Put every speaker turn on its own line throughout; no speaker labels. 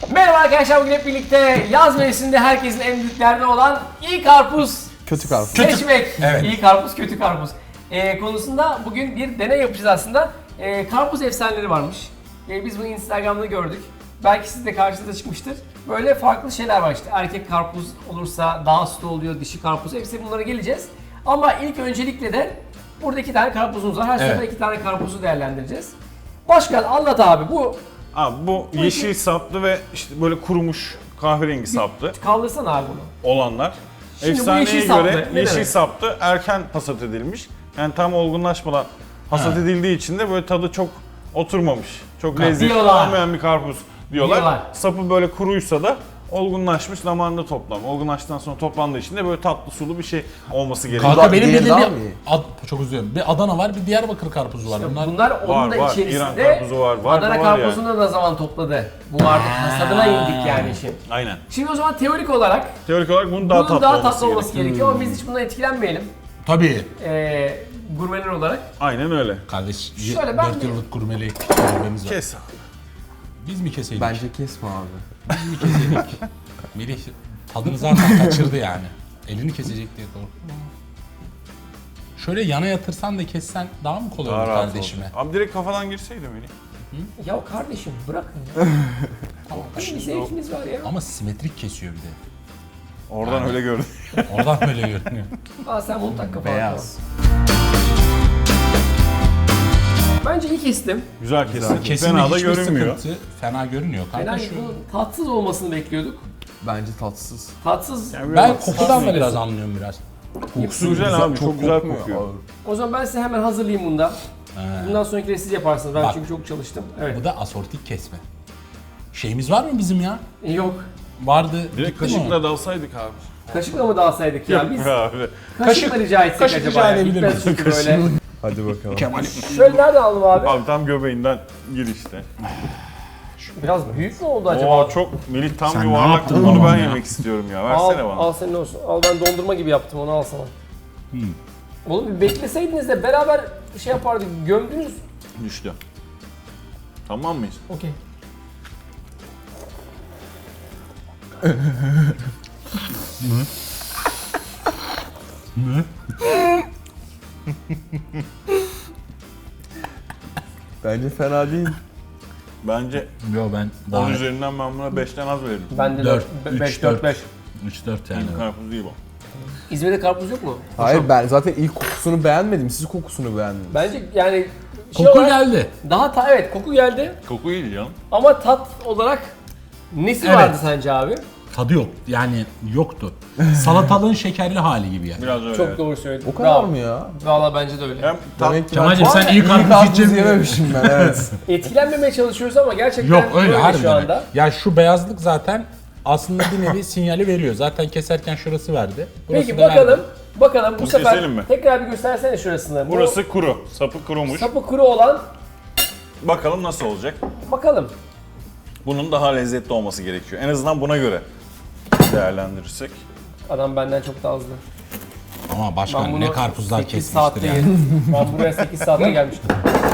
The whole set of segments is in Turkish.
Merhaba arkadaşlar, bugün hep birlikte yaz mevsiminde herkesin en büyük derdi olan iyi karpuz
Kötü karpuz.
seçmek.
Evet.
İyi karpuz, kötü karpuz konusunda bugün bir deney yapacağız aslında. Karpuz efsaneleri varmış. Biz bunu Instagram'da gördük. Belki siz de karşınıza çıkmıştır. Böyle farklı şeyler var işte. Erkek karpuz olursa daha sütlü oluyor, dişi karpuz. Hepsi bunlara geleceğiz. Ama ilk öncelikle de burada 2 tane karpuzumuz var. Her sefer 2 tane karpuzu değerlendireceğiz. Başkan anlat abi, bu
Abi bu yeşil saplı ve işte böyle kurumuş kahverengi saplı
kaldırsana abi bunu.
olanlar.
Şimdi bu
Efsaneye
yeşil saplı,
göre
ne
yeşil
demek?
saplı erken hasat edilmiş. Yani tam olgunlaşmadan hasat edildiği için de böyle tadı çok oturmamış. Çok lezzetli
Diyorlar.
olmayan bir karpuz diyorlar.
Diyorlar.
Sapı böyle kuruysa da olgunlaşmış, zamanında toplam. Olgunlaştıktan sonra toplandığı için de böyle tatlı sulu bir şey olması gerekiyor.
Kanka benim
diğeri
bildiğim
daha
bir
mı iyi?
Çok üzülüyorum. Bir Adana var, bir Diyarbakır karpuzu var.
Bunlar onun da
var.
içerisinde
İran karpuzu var. Var
Adana
da var
karpuzunu da ne zaman topladı. Bu artık hasadına indik yani işin.
Aynen.
Şimdi o zaman teorik olarak
Teorik olarak bunun daha
bunun
tatlı
daha
olması
tatlı olması
gerekiyor.
gerekiyor ama biz hiç bundan etkilenmeyelim.
Tabii.
Gurmeler olarak.
Aynen öyle.
Kardeş,
Şöyle ben
4
de-
yıllık gurmelik tecrübemiz var.
Kes.
Biz mi keseydik?
Bence kesme abi.
Biz mi keseydik? Melih tadını zaten kaçırdı yani. Elini kesecek diye korktum. Şöyle yana yatırsan da kessen daha mı kolay
Daha
olur
rahat
kardeşime?
oldu. Abi direkt kafadan girseydi Melih.
Ya kardeşim bırakın ya.
Tamam.
Bir zevkimiz var ya.
Ama simetrik kesiyor bir de.
Oradan öyle gördüm.
Oradan böyle görünüyor.
Aa sen bunu tak kafana.
Beyaz.
Bence iyi kestim.
Güzel kesin.
Kesinlikle
Fena da
hiçbir
görünmüyor.
sıkıntı. Fena görünüyor kanka
Yani
şu.
bunun tatsız olmasını bekliyorduk.
Bence tatsız.
Tatsız.
Yani
Ben
böyle
kokudan da biraz anlıyorum biraz.
kokusu güzel abi. Çok güzel kokuyor.
O zaman ben size hemen hazırlayayım bunda. Bundan sonrakileri siz yaparsınız. Ben
Bak.
çünkü çok çalıştım. Evet.
Bu da asortik kesme. Şeyimiz var mı bizim ya?
Yok.
Vardı.
Direkt
gitti mi
kaşıkla
o?
dalsaydık abi.
Kaşıkla mı dağılsaydık ya? Biz
Abi.
kaşıkla rica etsek
kaşık
acaba
rica
ya?
edebilir
Gitmez
miyim?
çünkü böyle.
Hadi bakalım.
Kemal.
Şöyle nereden aldım abi?
Abi tam göbeğinden gir işte.
Biraz büyük mü oldu acaba?
Oo çok Melih tam
Sen ne
yuvarlak.
yaptın
Onu
oğlum
ben
ya?
yemek istiyorum ya.
Al,
Versene bana.
al senin olsun. Al ben dondurma gibi yaptım, onu al sana. Oğlum bir bekleseydiniz de beraber şey yapardık, gömdünüz.
Düştü. Tamam mıyız?
Okey.
Bence fena değil.
Bence
Yo ben
10
daha
üzerinden ben buna 5'ten az veririm.
Ben de
4,
5, 4, 5.
3-4 yani.
Karpuz değil bu.
İzmir'de karpuz yok mu?
Hayır ben zaten ilk kokusunu beğenmedim. Siz kokusunu beğendiniz.
Bence yani şey
Koku
olarak
geldi.
daha evet koku geldi
Koku iyi canım.
ama tat olarak nesi
Evet.
vardı sence abi?
Tadı yok. Yani yoktu. Salatalığın şekerli hali gibi yani.
Biraz öyle.
Çok
evet.
doğru söyledin.
O kadar
Bravo.
mı ya?
Valla bence de öyle.
Hem tat,
Demek ki
Kemal'cim
ben-
sen iyi karpuz
karpuz
yiyeceksin.
yememişim ben evet.
Etkilenmemeye çalışıyoruz ama gerçekten
Yok öyle
böyle şu
harbiden.
anda.
Ya şu beyazlık zaten aslında bir nevi sinyali veriyor. Zaten keserken şurası verdi. Burası
Peki
da
bakalım.
verdi.
Bakalım bu
Bunu
sefer
keselim mi?
tekrar bir göstersene şurasını. Bu
burası kuru. Sapı kurumuş.
sapı kuru olan
Bakalım nasıl olacak.
bakalım.
Bunun daha lezzetli olması gerekiyor. En azından buna göre değerlendirirsek.
Adam benden çok daha hızlı.
Ama
Ben
başkan
bunu
ne karpuzlar
8
kesmiştir
saatte
yani.
yedim. Ben buraya 8 saatte gelmiştim.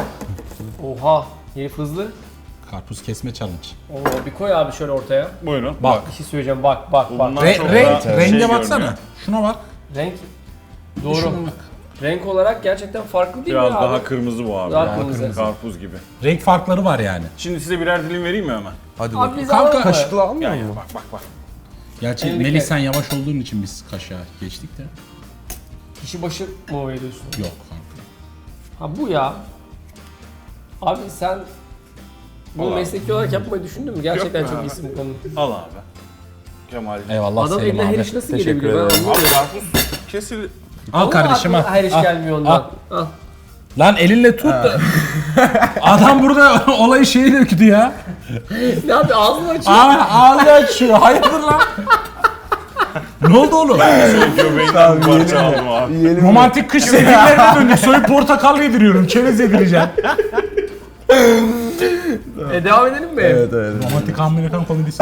Oha, herif hızlı.
Karpuz kesme challenge.
Oo, bir koy abi şöyle ortaya.
Buyurun.
Bak.
Bir şey söyleyeceğim, bak bak bak.
Bundan çok daha
Renge
şey
baksana.
görünüyor.
Şuna bak.
Renk doğru.
Şuna bak.
Renk olarak gerçekten farklı değil
Biraz
mi abi?
daha kırmızı bu abi.
Daha kırmızı.
Karpuz gibi.
Renk farkları var yani.
Şimdi size birer dilim vereyim mi hemen?
Hadi
Abi
bakalım.
biz
Kanka,
alalım mı?
Kaşıkla almıyor
Gel
mu?
gel bak bak bak.
Gerçi
Elindeki-
Melih sen yavaş olduğun için biz kaşığa geçtik de.
Kişi başı mı veriyorsun?
Yok kanka.
Ha bu ya. Abi sen bunu
Al abi.
mesleki olarak yapmayı düşündün mü? Gerçekten
Yok
çok
abi.
iyisin bu konuda.
Al abi. Kemal.
Eyvallah
Adam
Selim
eline her
abi.
iş nasıl
Teşekkür
gelebiliyor? Ben
ederim.
anlamıyorum.
Abi karpuz kesil.
Al kardeşim
Aklıma
al.
her iş
Al.
gelmiyor ondan. Al.
Lan elinle tut da. Adam burada olayı şeyi döktü ya.
Ne yapıyor? Ağzını açıyor.
Ağzı açıyor. Hayırdır lan? Ne oldu oğlum?
Senin göbeğinden bir parça aldım abi.
Yiyelim mi?
Romantik kış sevgililerine döndük. Soyup portakal yediriyorum. Çerez yedireceğim.
Devam edelim mi?
Evet evet.
Romantik Amerikan komedisi.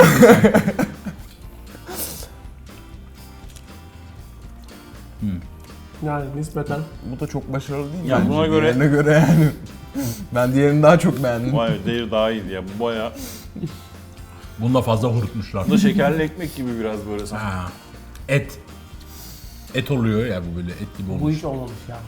Yani nispeten.
Bu da çok başarılı değil mi?
Ya
bence
buna göre-
diğerine göre yani. Ben diğerini daha çok beğendim.
Vay değeri daha iyiydi ya. Bu baya
Bunu da fazla kurutmuşlar.
Bu da şekerli ekmek gibi biraz böyle sanki.
Ha. Et. Et oluyor ya bu böyle et gibi
Bu
olmuş.
hiç olmamış ya.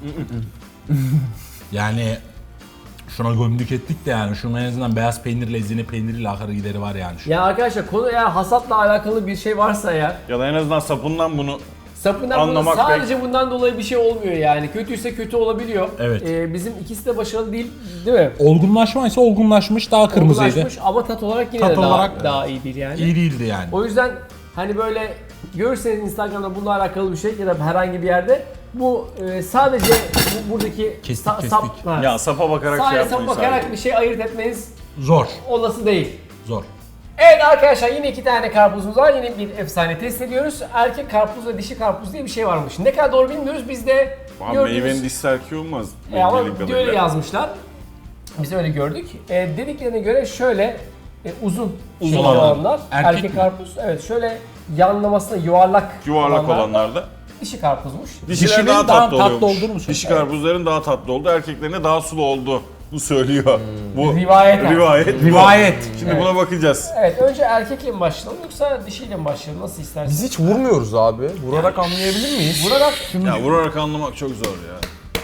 Yani şuna gömdük ettik de yani şunun en azından beyaz peynirle ezine peyniriyle akarı gideri var yani.
Ya arkadaşlar konu eğer hasatla alakalı bir şey varsa ya,
Ya da en azından sapından bunu
sapından bunu
Anlamak
sadece bundan dolayı bir şey olmuyor yani. Kötüyse kötü olabiliyor.
Evet.
Bizim ikisi de başarılı değil mi?
Olgunlaşma ise olgunlaşmış daha kırmızıydı.
Olgunlaşmış ama tat olarak yine
Tat
de
olarak
daha iyi değil yani.
İyi değildi yani.
O yüzden hani böyle görürseniz Instagram'da bununla alakalı bir şey ya da herhangi bir yerde bu sadece buradaki
Kestik,
sap, ha,
ya sapa bakarak şey
sadece
yapmayın
sap bakarak
sadece.
bir şey ayırt etmeniz
Zor.
olası değil.
Zor.
Evet arkadaşlar yine 2 tane karpuzumuz var. Yine bir efsane test ediyoruz. Erkek karpuz ve dişi karpuz diye bir şey varmış. Ne kadar doğru bilmiyoruz. Biz de
Abi
gördüğümüz...
meyvenin dişi erkeği olmaz.
Ama
bildiğim
öyle
kadarıyla.
yazmışlar. Biz öyle gördük. Dediklerine göre şöyle uzun
Uzun
olanlar.
olanlar.
Erkek,
Erkek mi?
karpuz. Evet şöyle yanlamasına yuvarlak
Yuvarlak da
dişi karpuzmuş.
dişiler
Dişinin
daha
daha
tatlı
tatlı
oluyormuş.
olduğunu mu söylüyor?
Dişi karpuzların daha tatlı oldu, erkeklerine daha sulu oldu. Bu söylüyor. Bu
Rivayet.
rivayet. bu.
Rivayet.
Şimdi buna bakacağız.
Evet önce erkekle mi başlayalım yoksa dişiyle mi başlayalım nasıl istersen.
Biz hiç vurmuyoruz abi. Vurarak anlayabilir miyiz?
Vurarak
Ya vurarak anlamak çok zor ya.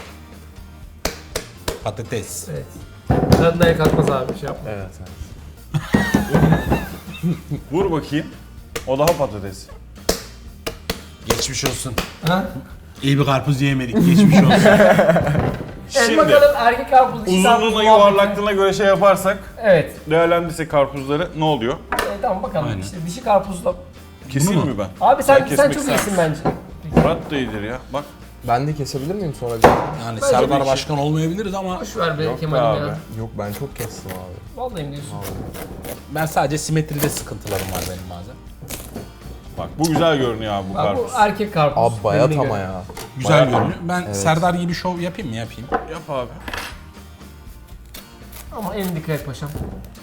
Patates.
evet. Tadına kalkmaz abi şey yapma.
Evet.
Vur bakayım. O daha patates.
Geçmiş olsun.
Ha?
İyi bir karpuz yemedik. Geçmiş olsun.
Evet
Şimdi
bakalım erkek karpuz dişi karpuz
uzunluğuna
muhabbeti.
yuvarlaklığına göre şey yaparsak,
Evet.
değerlendirsek karpuzları ne oluyor?
Tamam bakalım
Aynen.
işte dişi karpuzla.
Keseyim
mu?
mi ben?
Abi sen
kesmek
çok
ister
iyisin
misin?
bence.
Murat da iyidir ya. Bak.
Ben de kesebilir miyim sonra bir?
Yani
Bence
Serdar
bir şey-
Başkan olmayabiliriz ama
Boş ver be
Yok be
Kemal'im
abi.
ya.
Yok ben çok kestim abi.
Vallahi mi diyorsun?
ben sadece simetride sıkıntılarım var benim bazen.
Bak bu güzel görünüyor abi bu
Bak, bu
karpuz.
erkek karpuz.
Abi bayat
Dediğine
ama
göre.
ya.
Güzel
Bayağı-
görünüyor. Ben Serdar gibi şov yapayım mı? Yapayım.
Yap abi.
Ama en dikkat et paşam.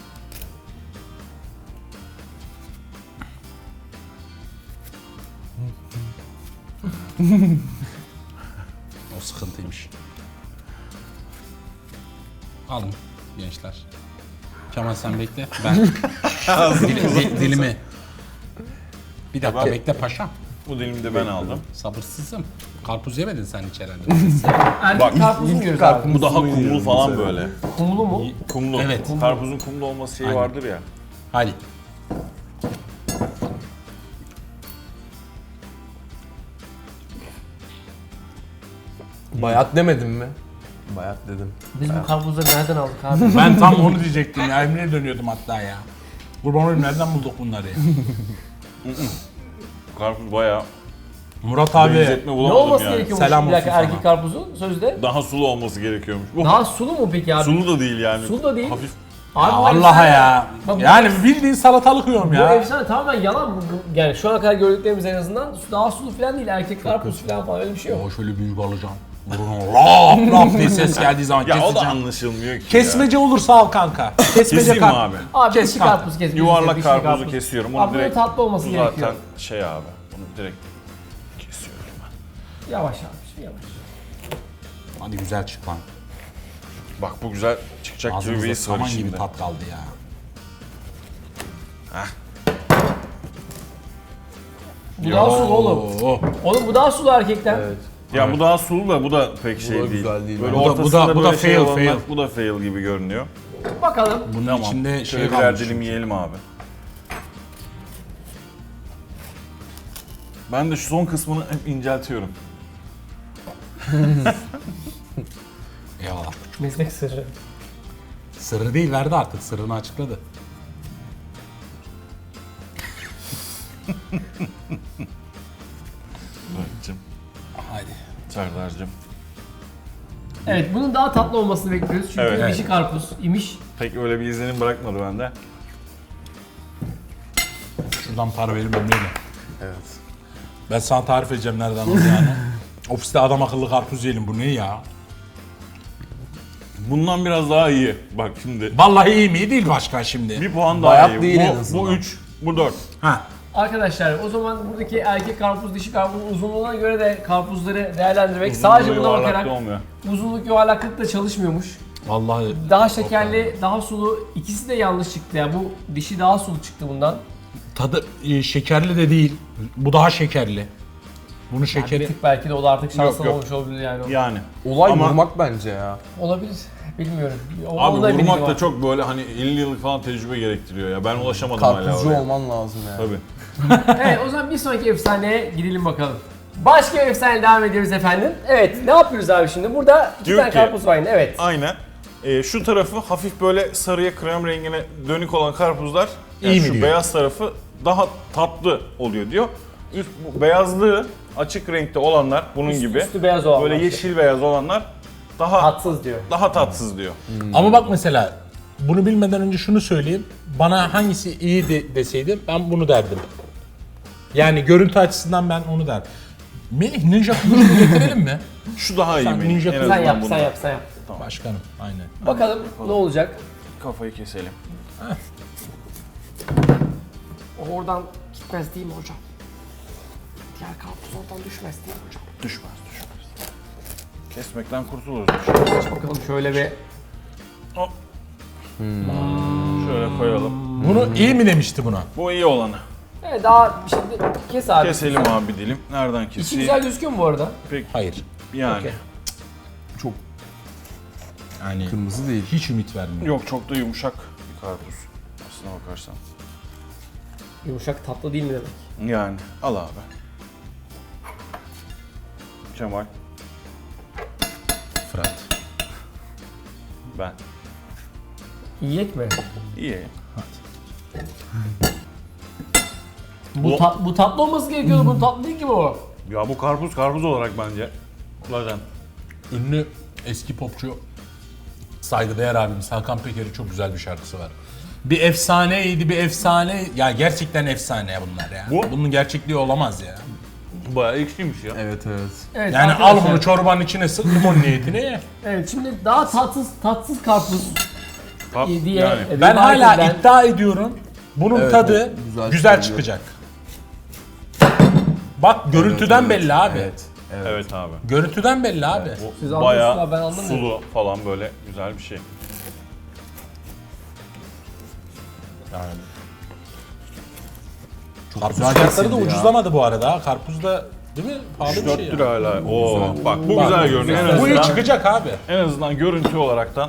O sıkıntıymış. Alın gençler. Kemal sen bekle. Ben dilimi. Bir dakika
Tamam.
bekle paşam.
Bu dilimi de ben aldım.
Sabırsızım. Karpuz yemedin sen hiç herhalde.
Erkek
Bak,
karpuz mu yiyoruz abi?
Bu daha kumlu falan böyle.
Kumlu mu?
Kumlu.
Evet.
Karpuzun kumlu olması şeyi
Aynen.
vardır ya.
Hadi.
Bayat demedim mi? Bayat dedim.
Biz bu karpuzları nereden aldık abi?
Ben tam onu diyecektim ya. Emre'ye dönüyordum hatta ya. Kurban olayım nereden bulduk bunları ya?
Karpuz bayağı
Murat abi.
benzetme
Ne
bulamadım
olması
yani.
gerekiyormuş
Selam
bir dakika
olsun
erkek
sana.
karpuzun sözde?
Daha sulu olması gerekiyormuş. Bu
Daha sulu mu peki abi?
sulu da değil yani.
Sulu da değil.
Hafif.
Abi, bu
Allah'a
efsane-
ya.
Bak, bu
Yani bildiğin salatalık yiyorum
Bu
ya.
efsane tamamen yalan. Yani şu ana kadar gördüklerimiz en azından daha sulu falan değil. Erkek karpuz falan öyle bir şey yok.
O şöyle büyük alacağım. Burun laf laf diye ses geldiği zaman
Ya o da
keseceğim.
anlaşılmıyor ki
Kesmece olursa al kanka. Kesmece
Keseyim mi abi?
Abi
Kes
dişi
kanka.
karpuz kes.
Yuvarlak
dişi
karpuzu kesiyorum. Onu
Abi bunun
direkt
tatlı olması
bu
gerekiyor.
zaten şey abi. Bunu direkt kesiyorum ben.
Yavaş abi yavaş.
Hadi güzel çık lan.
Bak bu güzel çıkacak gibi bir
Ağzımızda
his var
saman gibi
içinde.
tat kaldı ya.
Bu daha sulu oğlum.
Oo.
Oğlum bu daha sulu erkekten.
Evet.
Ya bu daha sulu da bu da pek şey
da
değil.
güzel değil.
Böyle
Bu da-
ortasında
bu da
böyle şey
fail,
olanlar,
fail.
bu da fail gibi görünüyor.
Bakalım.
Bunun
Tamam.
içinde şey
Şöyle birer
kalmış.
dilim yiyelim abi. Ben de şu son kısmını hep inceltiyorum.
Eyvallah.
Meslek sırrı.
Sırrı değil verdi artık. Sırrını açıkladı.
Murat'cığım,
Haydi.
Serdar'cığım.
Evet bunun daha tatlı olmasını bekliyoruz. Çünkü
Evet.
dişi karpuz imiş.
Pek öyle bir izlenim bırakmadı bende.
Şuradan para verin Emre'yle.
Evet.
Ben sana tarif edeceğim nereden olacağını. Ofiste adam akıllı karpuz yiyelim. Bu ne ya?
Bundan biraz daha iyi. Bak şimdi.
Vallahi iyi mi? Değil başkan şimdi.
Bir puan daha
Bayat
iyi.
değil en
Bu
azından.
3, bu 4.
Ha.
Arkadaşlar o zaman buradaki erkek karpuz dişi karpuzun uzunluğuna göre de karpuzları değerlendirmek sadece buna bakarak
olmuyor.
uzunluk yuvarlaklık da çalışmıyormuş.
Vallahi
Daha şekerli, daha sulu. İkisi de yanlış çıktı ya. Bu dişi daha sulu çıktı bundan.
tadı şekerli de değil. Bu daha şekerli. Bunun
Bir
şekeri
tık belki de o da artık şanslı
yok.
olmuş olabilir yani.
Yani.
Olay
Ama-
vurmak bence ya.
Olabilir. Bilmiyorum.
Abi
Onda bilgim
vurmak da
var.
çok böyle hani 50 yıllık falan tecrübe gerektiriyor ya. Ben ulaşamadım hala
Karpuzcu
oraya.
olman lazım ya.
Tabii.
Evet, o zaman bir sonraki efsaneye gidelim bakalım. Başka bir efsane devam ediyoruz efendim. Evet, ne yapıyoruz abi şimdi? Burada iki
Diyor
tane
ki-
karpuz var yine, evet.
Aynen. Şu tarafı hafif böyle sarıya krem rengine dönük olan karpuzlar,
İyi mi
şu
diyor?
beyaz tarafı daha tatlı oluyor diyor. Bu beyazlığı açık renkte olanlar bunun gibi
Üstü beyaz olan
böyle
var.
yeşil beyaz olanlar daha
Tatsız diyor.
tatsız diyor.
Ama bak mesela bunu bilmeden önce şunu söyleyeyim. Bana hangisi iyi deseydim ben bunu derdim. Yani görüntü açısından ben onu derdim. Melih Ninja kılıcını getirelim mi?
Şu daha iyi
Sen
benim.
ninja
En
kız-
Sen
azından
yap,
bundan.
sen yap, sen yap.
Başkanım aynen.
Bakalım ne olacak?
Kafayı keselim.
O oradan gitmez değil mi hocam? Diğer karpuz oradan düşmez değil mi hocam?
Düşmez. Kesmekten kurtuluruz.
Bakalım şöyle bir...
Şöyle koyalım.
Bunu iyi mi demişti buna?
Bu iyi olanı.
Evet, daha şimdi kes abi.
Keselim abi dilim. Nereden
İçi
keseyim?
güzel gözüküyor mu bu arada?
Pek
Hayır.
yani.
Okey.
Çok
Yani
kırmızı değil.
hiç ümit vermiyor.
Yok çok da yumuşak bir karpuz. Aslına bakarsan.
Yumuşak tatlı değil mi demek?
Yani al abi. Kemal,
Fırat.
ben.
Yiyek mi?
İyi.
Bu tatlı olması gerekiyordu. Bu tatlı değil ki bu.
Ya bu karpuz olarak bence. Zaten.
Ünlü eski popçu saygıdeğer abimiz Hakan Peker'in çok güzel bir şarkısı var. Bir efsaneydi, bir efsane. Ya gerçekten efsane bunlar ya.
Bu-
Bunun gerçekliği olamaz ya.
Bayağı ekşiymiş ya.
Evet evet.
Evet,
Yani
arkadaşlar.
al bunu çorbanın içine sık limon niyetine ye.
Evet, şimdi daha tatsız karpuz diye
Yani.
Ben
rivayet
hala
edilen-
iddia ediyorum. Bunun
Evet,
tadı
evet, güzel
güzel
çıkıyor.
çıkacak. Bak görüntüden belli abi.
Evet. Evet.
Evet abi.
Görüntüden belli abi.
Bu
Siz
bayağı
anlıyorsunuz abi, ben anlamıyorum.
sulu falan böyle güzel bir şey.
Yani.
Çok
Karpuz
güzel
fiyatları da
kesildi ya.
ucuzlamadı bu arada. Karpuz da değil mi? Pahalı bir
4
şey.
lira hala. Oo, bak bu
Bak,
güzel görünüyor. En
Bu iyi
azından,
çıkacak abi.
en azından görüntü olaraktan.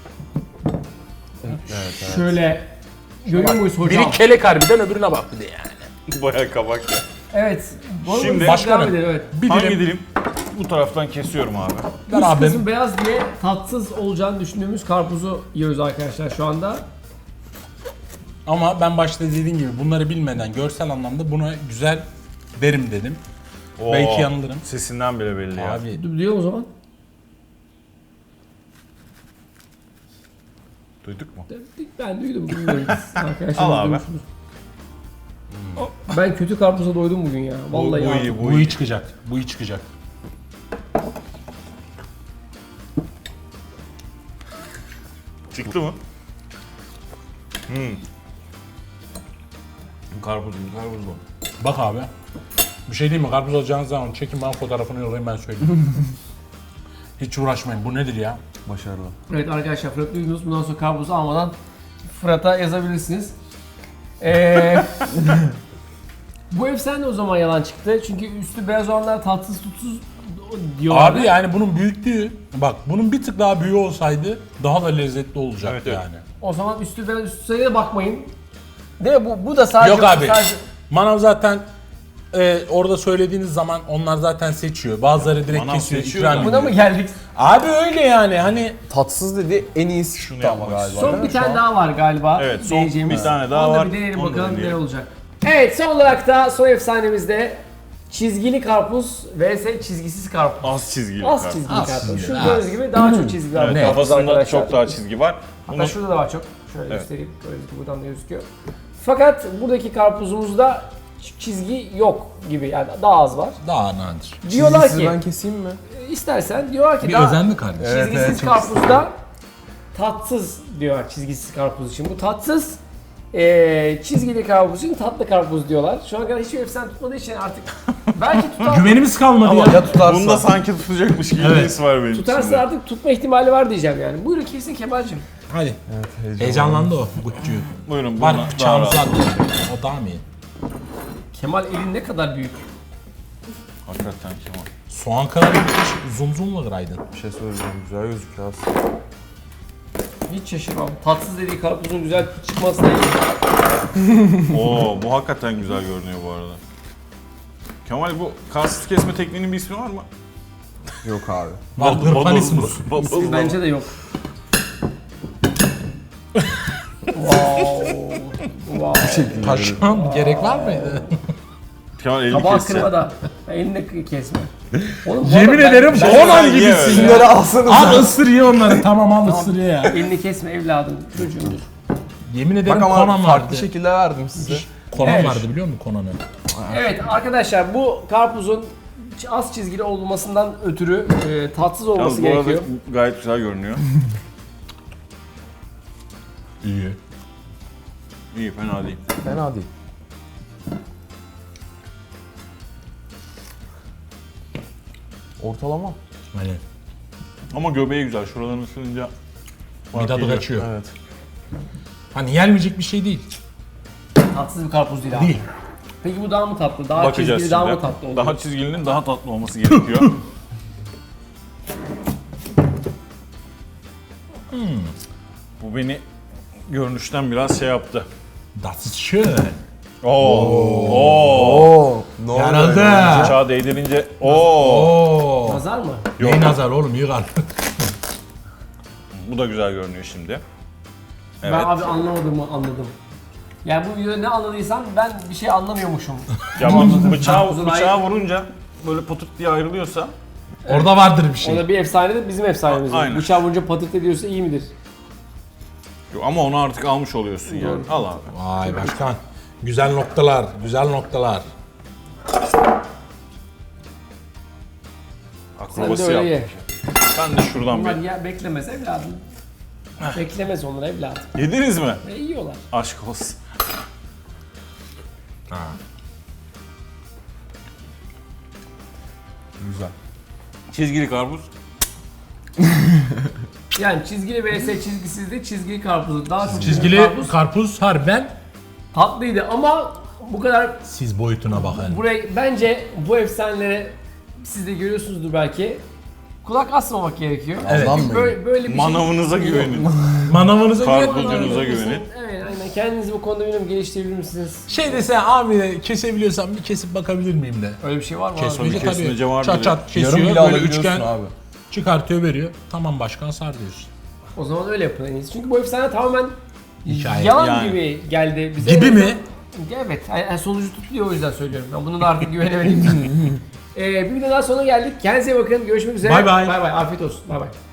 Şöyle görüyor muyuz hocam?
Biri kelek harbiden öbürüne bak bir de yani.
Bayağı kabak ya.
Evet. Bu
Şimdi-
Başkanım.
devam edelim, evet.
Bir
Hangi
dilim.
dilim? Bu taraftan kesiyorum abi.
Ver
Üst
abi.
kısmı beyaz diye tatsız olacağını düşündüğümüz karpuzu yiyoruz arkadaşlar şu anda.
Ama ben başta dediğim gibi bunları bilmeden görsel anlamda buna güzel derim dedim.
Oo,
Belki yanılırım.
Sesinden bile belli ya.
Abi
Diyor o zaman.
Duyduk mu?
Ben duydum, bilmiyorum. Arkadaşlar
Al abi.
duymuşsunuz. Ben kötü karpuza doydum bugün ya. Vallahi
bu
ya.
iyi,
bu iyi çıkacak. Bu iyi çıkacak.
Çıktı mı? Karpuz bu.
Bak abi. Bir şey değil mi? Karpuz alacağınız zaman çekin bana fotoğrafını yollayın ben söyleyeyim. Hiç uğraşmayın. Bu nedir ya?
Başarılı.
Evet arkadaşlar, Fırat duydunuz. Bundan sonra karpuzu almadan Fırat'a yazabilirsiniz. Bu efsane o zaman yalan çıktı. Çünkü üstü beyaz olanlar tatsız tutsuz diyorlar.
Abi yani bunun büyüklüğü, bak bunun bir tık daha büyüğü olsaydı daha da lezzetli olacaktı
Evet, evet.
yani.
O zaman üstü beyaz, üstü sayıya bakmayın. Değil mi? Bu da sadece...
Yok abi.
Sadece...
Manav zaten orada söylediğiniz zaman onlar zaten seçiyor. Bazıları direkt
Manav
kesiyor,
seçiyor
ikram
da.
ediyor.
Buna mı geldik?
Abi öyle yani hani
Tatsız dedi, en iyisi
Şunu
çıktı ama
yapmak
galiba.
Son
değil
bir
mi şu
tane
an?
daha var galiba.
Evet, son
deneyeceğimiz.
bir tane daha
Onu da
var.
bir deneyelim
Onu da
bakalım ne
deneyelim.
olacak. Evet, son olarak da son efsanemizde çizgili karpuz vs çizgisiz karpuz.
Az çizgili.
Az
karpuz.
çizgili
Az
karpuz.
çizgili,
Şu
az.
gördüğünüz gibi daha çok çizgi var.
Evet,
Ne?
karpuz
kafasında
arkadaşlar.
çok daha çizgi var.
Hatta
Bunu
şurada da var çok. Şöyle
Evet.
göstereyim. Buradan da gözüküyor. Fakat buradaki karpuzumuzda çizgi yok gibi, yani daha az var.
daha nadir.
Diyorlar
Çizgisiz
ki
ben keseyim mi?
istersen diyorlar ki
Bir
daha
özenli kardeş.
Evet,
çizgisiz
evet, çok
karpuzda tatsız diyorlar çizgisiz karpuz için. Bu tatsız, çizgili karpuz için tatlı karpuz diyorlar. Şu ana kadar hiçbir efsane tutmadığı için artık Belki tutar.
Güvenimiz kalmadı
Ama
ya.
Ya tutarsa.
Bunda sanki tutacakmış gibi bir
Evet.
his var benim
Tutarsa
içimde.
artık tutma ihtimali var diyeceğim yani. Buyurun kesin Kemal'cim.
Hadi.
Evet,
Heyecanlandı o Gutçu.
Buyurun
Var
buna daha
bıçağımızı
rahat.
attı. O daha mı iyi?
Kemal elin ne kadar büyük.
Hakikaten Kemal.
Soğan kadar bir zoom zoomla kıraydın.
Bir şey söyleyeceğim. Güzel gözüküyor aslında.
Hiç şaşırmam. Tatsız dediği karpuzun güzel çıkmasına iyi.
Oo bu hakikaten güzel görünüyor bu arada. Kemal bu karsız kesme tekniğinin bir ismi var mı?
Yok abi.
Var hırpanismus.
İsmi bence de yok. Wow. Wow.
Taşan gerek var mıydı?
Kemal elini
Tabağı
kesse.
kırma da. Elini kesme. Oğlum, bu
Yemin
arada ben-
ederim
ben-
Conan
Ye
gibisin
öyle.
ya.
Bunları alsanız.
Al ısır ye onları. Tamam al ısır ye ya.
Elini kesme evladım. Çocuğumdur.
Yemin ederim
Bak ama
Conan
farklı
vardı.
şekilde verdim size.
Conan
Evet.
vardı biliyor musun Conan'ı?
Evet arkadaşlar bu karpuzun az çizgili olmasından ötürü tatsız
Yalnız
olması
bu arada
gerekiyor.
gayet güzel görünüyor.
İyi.
İyi fena değil.
Fena değil. Ortalama.
Hani
Ama göbeği güzel. Şuralarını ısırınca
bir tadı
geliyor.
kaçıyor.
Evet.
Hani yenmeyecek bir şey değil.
Tatsız bir karpuz değil abi.
Değil.
Peki bu daha mı tatlı? Daha
Bakacağız
çizgili
şimdi.
daha mı tatlı olur?
Daha çizgilinin daha tatlı olması gerekiyor. Bu beni görünüşten biraz şey yaptı.
Das ist schön.
Oo.
Oo. Ne oluyor
Yarıldı.
ya?
Bıçağı değdirince oo.
Oo.
Nazar mı?
Yok.
Ne nazar oğlum yıkar.
Bu da güzel görünüyor şimdi. Evet.
Ben abi anlamadığımı anladım. Yani bu videoda ne anladıysam ben bir şey anlamıyormuşum.
Ya bıçağı
Karpuzun
vurunca böyle patırt diye ayrılıyorsa
Orada vardır bir şey.
O da bir efsane de bizim efsanemiz.
Aynen.
Bıçağı vurunca patırt ediyorsa iyi midir?
yok ama onu artık almış oluyorsun yani.
Doğru.
Al abi.
Vay başkan. Güzel noktalar, güzel noktalar.
Sen
Akrobasi
de öyle ye.
yaptık. Ben de şuradan
Onlar
bir.
ya beklemez evladım. Beklemez onlar evladım.
Yediniz mi?
Yiyorlar.
Aşk olsun.
Güzel.
Çizgili karpuz.
Yani çizgili vs çizgisizdi, çizgili karpuzu daha çok
Çizgili karpuz harbiden
tatlıydı ama bu kadar
siz boyutuna bakın.
buraya bence bu efsanelere siz de görüyorsunuzdur belki. Kulak asmamak gerekiyor.
Evet.
Çünkü böyle bir
Manavınıza
şey
güvenin.
Manavınıza
Karpuzcunuza
güvenmiyorum.
güvenin.
Evet aynen kendinizi bu konuda bilmiyorum geliştirebilir misiniz?
Şey dese abi kesebiliyorsam bir kesip bakabilir miyim de.
Öyle bir şey var mı?
Kesmece tabii.
kesince vardır
Çat
ya.
çat
Yarım
kesiyor
bile
böyle
alabiliyorsun
üçgen
abi.
çıkartıyor veriyor. Tamam başkan sar diyorsun.
O zaman öyle yapın en iyisi. Çünkü bu efsane tamamen
Hikaye.
yalan
Yani.
gibi geldi bize.
Gibi mi?
Evet. Yani sonucu tutuyor o yüzden söylüyorum. Ben bunu da artık güvenemedim. Bir video daha sonuna geldik. Kendinize iyi bakın. Görüşmek üzere.
Bay bay.
Bay bay. Afiyet olsun. Bay bay.